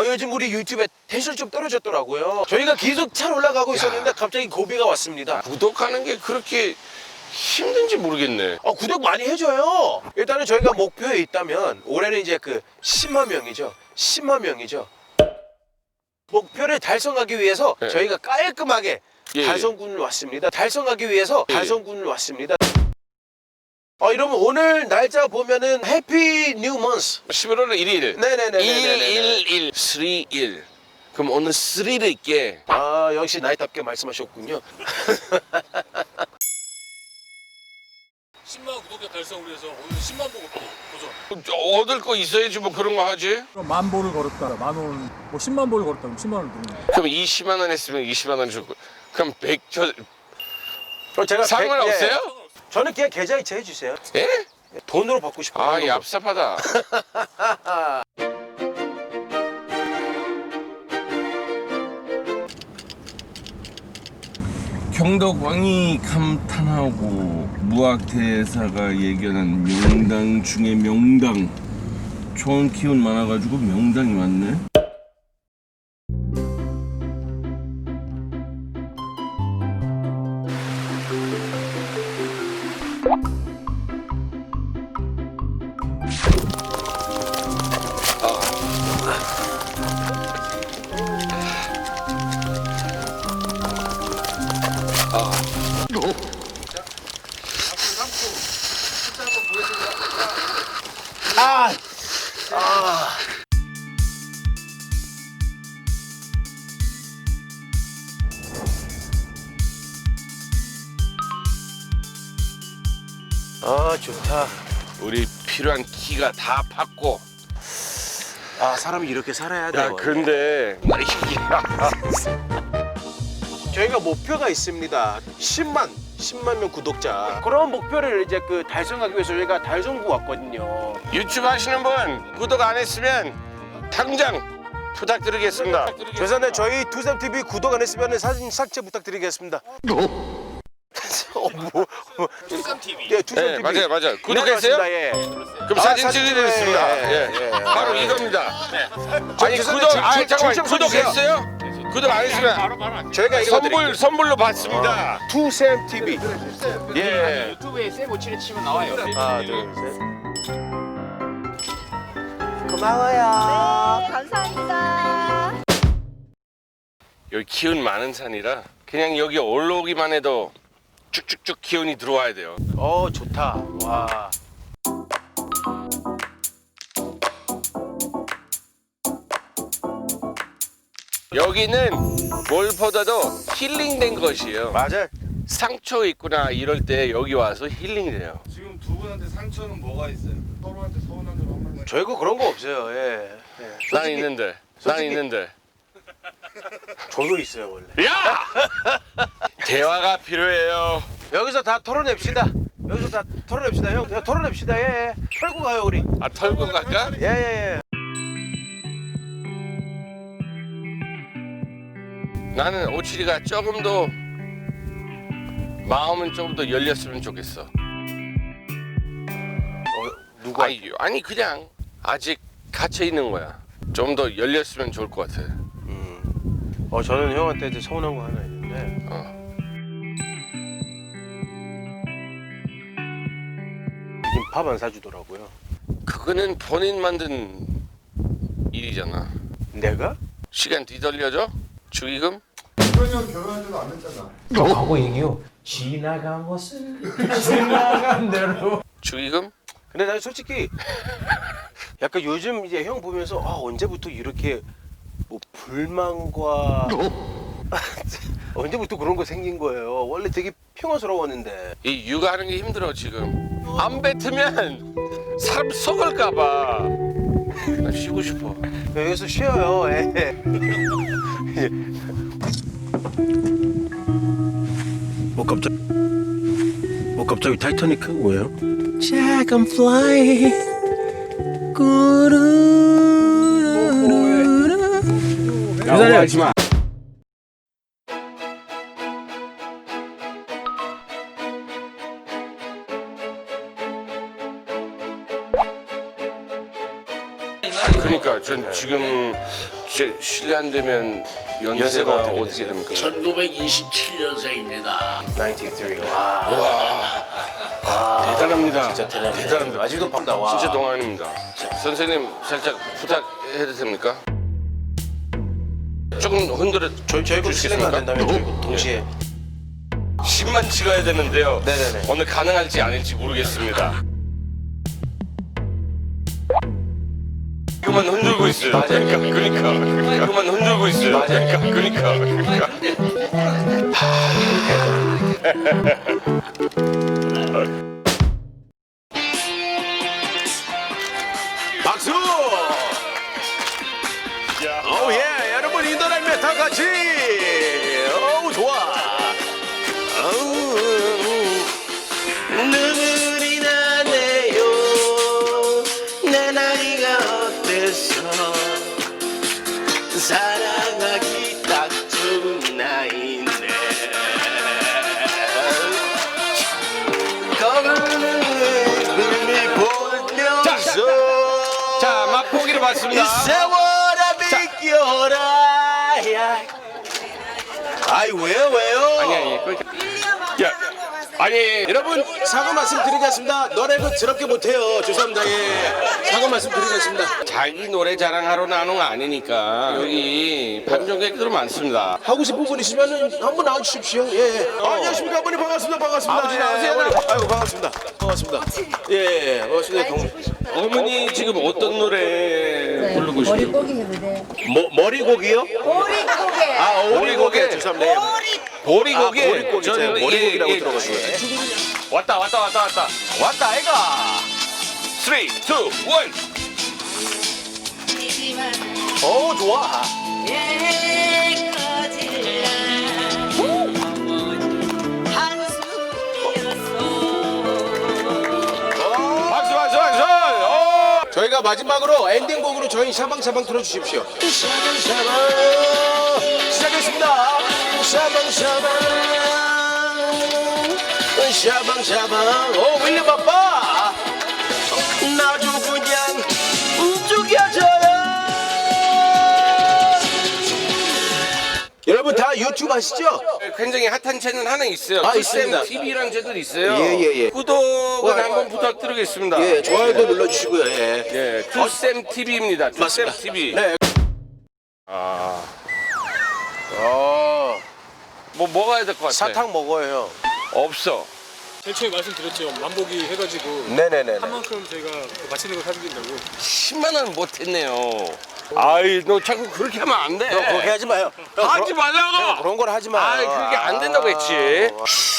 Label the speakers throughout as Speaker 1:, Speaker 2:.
Speaker 1: 요즘 우리 유튜브에 텐션이 좀 떨어졌더라고요. 저희가 계속 잘 올라가고 있었는데 갑자기 고비가 왔습니다.
Speaker 2: 구독하는 게 그렇게 힘든지 모르겠네.
Speaker 1: 구독 많이 해줘요. 일단은 저희가 목표에 있다면 올해는 이제 그 10만 명이죠. 10만 명이죠. 목표를 달성하기 위해서
Speaker 2: 네.
Speaker 1: 저희가 깔끔하게
Speaker 2: 예,
Speaker 1: 달성군을 왔습니다. 달성하기 위해서
Speaker 2: 예.
Speaker 1: 달성군을 왔습니다. 이러면 오늘 날짜 보면은 해피 뉴 먼스.
Speaker 2: 11월 1일.
Speaker 1: 네네네네네.
Speaker 2: 111 3일. 그럼 오늘 스릴 있게.
Speaker 1: 역시 나이답게 말씀하셨군요.
Speaker 3: 10만 구독자 달성을 위해서 오늘 10만 보고 도전.
Speaker 2: 얻을 거 있어야지 뭐 그런 거 하지.
Speaker 4: 그럼 10,000보를 걸었다, 10,000원, 뭐 10만 보를 걸었다, 그럼 10만 원을 드는 거야.
Speaker 2: 그럼 20만 원 했으면 20만 원 주고. 그럼 100,
Speaker 1: 그럼 제가
Speaker 2: 상관없어요?
Speaker 1: 저는 그냥 계좌이체 해주세요.
Speaker 2: 예?
Speaker 1: 돈으로 받고 싶어요.
Speaker 2: 아, 얍삽하다.
Speaker 5: 경덕왕이 감탄하고 무학대사가 예견한 명당 중에 명당. 좋은 기운 많아가지고 명당이 왔네.
Speaker 1: 좋다.
Speaker 2: 우리 필요한 키가 다 팠고.
Speaker 1: 사람이 이렇게 살아야
Speaker 2: 야,
Speaker 1: 돼요.
Speaker 2: 근데
Speaker 1: 저희가 목표가 있습니다. 10만 명 구독자. 그런 목표를 이제 그 달성하기 위해서 저희가 달성구 왔거든요.
Speaker 2: 유튜브 하시는 분 구독 안 했으면 당장 부탁드리겠습니다.
Speaker 1: 죄송한데 저희 투삼TV 구독 안 했으면 사진 삭제 부탁드리겠습니다.
Speaker 3: 투삼TV.
Speaker 1: 네, 투삼TV.
Speaker 2: 네, 맞아요. 구독했어요?
Speaker 1: 예.
Speaker 2: 그럼 사진
Speaker 1: 사진
Speaker 2: 찍어드리겠습니다.
Speaker 1: 예.
Speaker 2: 바로 이겁니다. 아니
Speaker 1: 죄송한데
Speaker 2: 구독,
Speaker 1: 줄
Speaker 2: 잠깐만
Speaker 1: 좀
Speaker 2: 구독했어요? 구독 안 했으면
Speaker 3: 바로.
Speaker 1: 저희가 이거 드릴게요.
Speaker 2: 선물로 받습니다.
Speaker 1: 투삼TV.
Speaker 2: 예.
Speaker 3: 유튜브에 세모치를 치면 나와요.
Speaker 1: 하나, 둘, 셋. 고마워요.
Speaker 6: 감사합니다.
Speaker 2: 여기 기운 많은 산이라 그냥 여기 올라오기만 해도 쭉쭉쭉 기운이 들어와야 돼요.
Speaker 1: 좋다. 와.
Speaker 2: 여기는 뭘보다도 힐링된 것이에요.
Speaker 1: 맞아요.
Speaker 2: 상처 있구나 이럴 때 여기 와서 힐링돼요.
Speaker 7: 지금 두 분한테 상처는 뭐가 있어요? 서로한테 서운한 점 한 번만.
Speaker 1: 저희가 그런 거 없어요. 예.
Speaker 2: 난
Speaker 1: 솔직히
Speaker 2: 있는데. 난
Speaker 1: 솔직히-
Speaker 2: 있는데.
Speaker 1: 저도 있어요, 원래.
Speaker 2: 야! 대화가 필요해요.
Speaker 1: 여기서 다 털어냅시다. 여기서 다 털어냅시다, 형. 야, 털어냅시다. 예. 털고 가요, 우리.
Speaker 2: 아, 털고 갈까?
Speaker 1: 예.
Speaker 2: 나는 오칠이가 조금 더 마음은 조금 더 열렸으면 좋겠어.
Speaker 1: 누가?
Speaker 2: 아니 그냥 아직 갇혀 있는 거야. 좀 더 열렸으면 좋을 것 같아.
Speaker 1: 저는 형한테 이제 서운한 거 하나 있는데. 요즘 밥 안 사주더라고요.
Speaker 2: 그거는 본인 만든 일이잖아.
Speaker 1: 내가?
Speaker 2: 시간 뒤돌려줘? 축의금?
Speaker 7: 그러면 결혼한지도 안 했잖아.
Speaker 1: 하고 얘기요. 지나간 것은 지나간 대로.
Speaker 2: 축의금?
Speaker 1: 근데 난 솔직히 약간 요즘 이제 형 보면서 언제부터 이렇게 뭐 불만과 언제부터 그런 거 생긴 거예요. 원래 되게 평화스러웠는데.
Speaker 2: 이 육아하는 게 힘들어 지금. 안 뱉으면 사람 속을까봐. 나 쉬고 싶어.
Speaker 1: 여기서 쉬어요. 예. 갑자기 타이타닉 뭐예요? Jack, I'm flying.
Speaker 2: 기다려 하지 마. 그러니까 전 지금 실례 안 되면 연세가 어떻게 됩니까?
Speaker 8: 1927년생입니다.
Speaker 1: 93. 와.
Speaker 2: 대단합니다.
Speaker 1: 진짜 대단합니다. 아직도 밤다. 와.
Speaker 2: 진짜 동안입니다. 선생님 살짝 부탁해도 됩니까? 조금 흔들어
Speaker 1: 저희가 실례가 안 된다면 저희가 동시에
Speaker 2: 10만 찍어야 되는데요.
Speaker 1: 네네네.
Speaker 2: 오늘 가능할지 아닐지 모르겠습니다. 이거만 흔들고 있어요. 그러니까. 이거만 흔들고 있어요. 그러니까.
Speaker 1: 박수! 오 예, 여러분 인도라면 다 같이. 어우 좋아. 눈물이 나네요. 내 나이가 어때서 사랑하기 딱 좋은 나이네. 거울을 보면서
Speaker 2: 자, 맛보기로
Speaker 1: 이
Speaker 2: 봤습니다.
Speaker 1: 세월아 비껴라. 아이 왜요?
Speaker 2: 아니. 야, 아니.
Speaker 1: 여러분 사과 말씀 드리겠습니다. 노래 그 더럽게 못해요. 죄송합니다. 예. 사과 말씀 드리겠습니다.
Speaker 2: 자기 노래 자랑하러 나온 거 아니니까 여기 판정객들 많습니다.
Speaker 1: 하고 싶은 분 있으면 한번 나와주십시오. 예. 안녕하십니까 어머니 반갑습니다. 반갑습니다.
Speaker 2: 아버지 나오세요.
Speaker 1: 어머니. 아이고 반갑습니다. 반갑습니다. 예. 반갑습니다.
Speaker 2: 어머니 지금 어떤 노래 부르고 싶어요?
Speaker 6: 머리고기 해도 돼.
Speaker 1: 머리고기요?
Speaker 6: 오리고기.
Speaker 1: 아 오리고기. 죄송합니다.
Speaker 2: 보리고기.
Speaker 1: 보리고기.
Speaker 2: 저는
Speaker 1: 머리고기라고
Speaker 2: 예,
Speaker 1: 들어가지고.
Speaker 2: 왔다.
Speaker 1: 왔다 아이가.
Speaker 2: 3, 2, 1.
Speaker 1: 오 좋아.
Speaker 2: 박수.
Speaker 1: 저희가 마지막으로 엔딩곡으로 저희 샤방샤방 틀어주십시오. 샤방샤방 시작했습니다. 샤방샤방 오 윌리엄 아빠 나도 그냥 죽여줘요. 여러분 다 유튜브 아시죠?
Speaker 2: 굉장히 핫한 채널 하나 있어요.
Speaker 1: 아, 있습니다.
Speaker 2: TV라는 채널 있어요.
Speaker 1: 예.
Speaker 2: 구독은 한번 부탁드리겠습니다.
Speaker 1: 예 좋아요도 눌러주시고요. 예.
Speaker 2: 예, 투쌤 TV입니다. 투쌤
Speaker 1: 맞습니다.
Speaker 2: TV.
Speaker 1: 네.
Speaker 2: 뭐 먹어야 될 것 같아.
Speaker 1: 사탕 먹어요.
Speaker 2: 없어.
Speaker 4: 제일 처음에 말씀드렸죠. 만보기 해가지고
Speaker 1: 네네네.
Speaker 4: 한 만큼 저희가 맛있는 거 사드린다고.
Speaker 2: 10만 원 못했네요. 아이, 너 자꾸 그렇게 하면 안 돼.
Speaker 1: 그렇게 하지 마요.
Speaker 2: 하지 말라고.
Speaker 1: 그런 걸 하지 마.
Speaker 2: 아이, 그게 안 된다고 했지.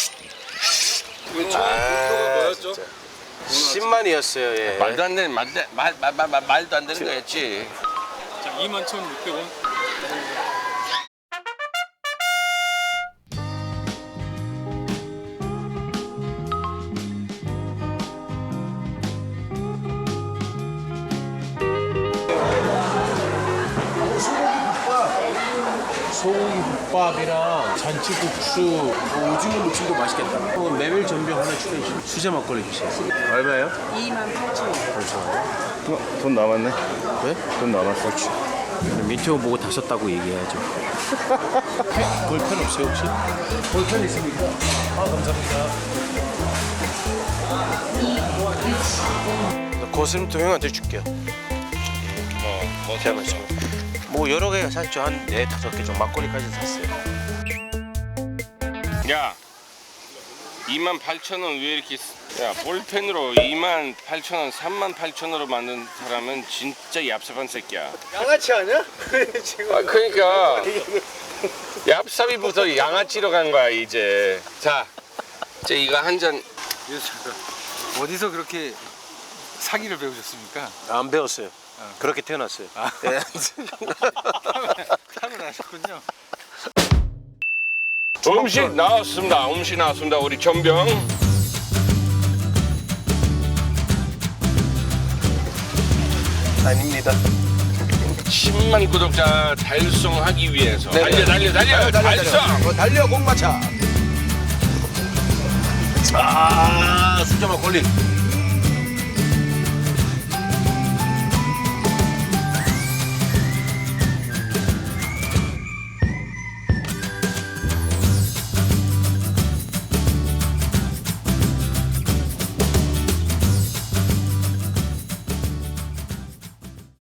Speaker 4: 뭐였죠?
Speaker 1: 10만이었어요. 예.
Speaker 2: 말도 안 되는 말도 안 되는 거였지.
Speaker 4: 자, 21,600원.
Speaker 1: 소고기 국밥이랑 잔치국수, 오징어 무침도 맛있겠다. 메밀 전병 하나 추가해 주세요. 수제 막걸리 주세요. 얼마예요?
Speaker 7: 돈 남았네.
Speaker 1: 왜?
Speaker 7: 돈 남았어.
Speaker 1: 민트호 보고 다셨다고 얘기해야죠. 볼펜 없어요 혹시? 볼펜 있습니까? 아 감사합니다. 고슴도 형한테 줄게요. 제가 말씀. 뭐 여러 개가 샀죠. 한 4-5개 좀 막걸리까지 샀어요.
Speaker 2: 야, 28,000원 왜 이렇게 야, 볼펜으로 28,000원, 38,000원으로 만든 사람은 진짜 얍삽한 새끼야.
Speaker 1: 양아치 아니야? 지금.
Speaker 2: 아, 그러니까 얍삽이부터 양아치로 간 거야 이제. 자, 이제 이거 한 잔.
Speaker 3: 어디서 그렇게 사기를 배우셨습니까?
Speaker 1: 안 배웠어요. 그렇게 태어났어요. 네.
Speaker 3: 타고나셨군요.
Speaker 2: 음식 나왔습니다. 우리 전병.
Speaker 1: 아닙니다.
Speaker 2: 10만 구독자 달성하기 위해서 달려 달성.
Speaker 1: 달려 공마차. 아 수제 막걸리.